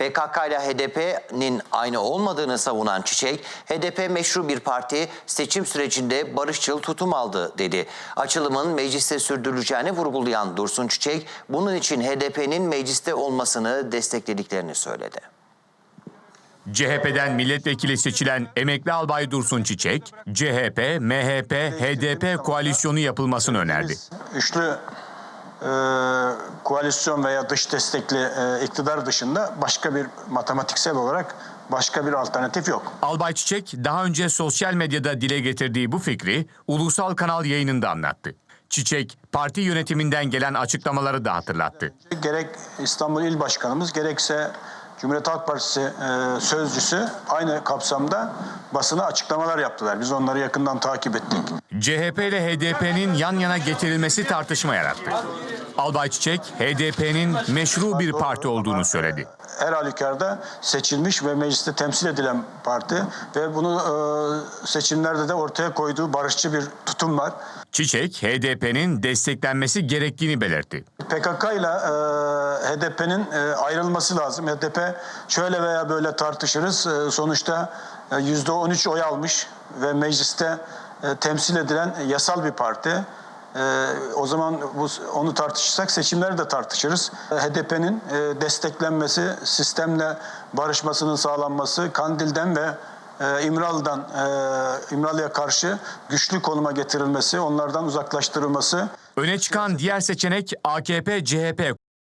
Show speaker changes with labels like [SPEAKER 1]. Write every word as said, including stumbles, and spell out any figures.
[SPEAKER 1] P K K ile H D P'nin aynı olmadığını savunan Çiçek, H D P meşru bir parti, seçim sürecinde barışçıl tutum aldı dedi. Açılımın mecliste sürdürüleceğini vurgulayan Dursun Çiçek, bunun için H D P'nin mecliste olmasını desteklediklerini söyledi.
[SPEAKER 2] C H P'den milletvekili seçilen emekli albay Dursun Çiçek, C H P, M H P, H D P koalisyonu yapılmasını önerdi.
[SPEAKER 3] Üçlü e, koalisyon veya dış destekli e, iktidar dışında başka bir matematiksel olarak başka bir alternatif yok.
[SPEAKER 2] Albay Çiçek daha önce sosyal medyada dile getirdiği bu fikri ulusal kanal yayınında anlattı. Çiçek, parti yönetiminden gelen açıklamaları da hatırlattı.
[SPEAKER 3] Gerek İstanbul İl Başkanımız gerekse Cumhuriyet Halk Partisi e, sözcüsü aynı kapsamda basına açıklamalar yaptılar. Biz onları yakından takip ettik.
[SPEAKER 2] C H P ile H D P'nin yan yana getirilmesi tartışma yarattı. Albay Çiçek, H D P'nin meşru bir parti olduğunu söyledi.
[SPEAKER 3] Her halükarda seçilmiş ve mecliste temsil edilen parti ve bunu e, seçimlerde de ortaya koyduğu barışçı bir tutum var.
[SPEAKER 2] Çiçek, H D P'nin desteklenmesi gerektiğini belirtti.
[SPEAKER 3] P K K ile H D P'nin e, ayrılması lazım. H D P şöyle veya böyle tartışırız. E, sonuçta yüzde on üç oy almış ve mecliste e, temsil edilen yasal bir parti. E, o zaman bu, onu tartışırsak seçimleri de tartışırız. H D P'nin e, desteklenmesi, sistemle barışmasının sağlanması, Kandil'den ve e, İmralı'dan e, İmralı'ya karşı güçlü konuma getirilmesi, onlardan uzaklaştırılması.
[SPEAKER 2] Öne çıkan diğer seçenek A K P C H P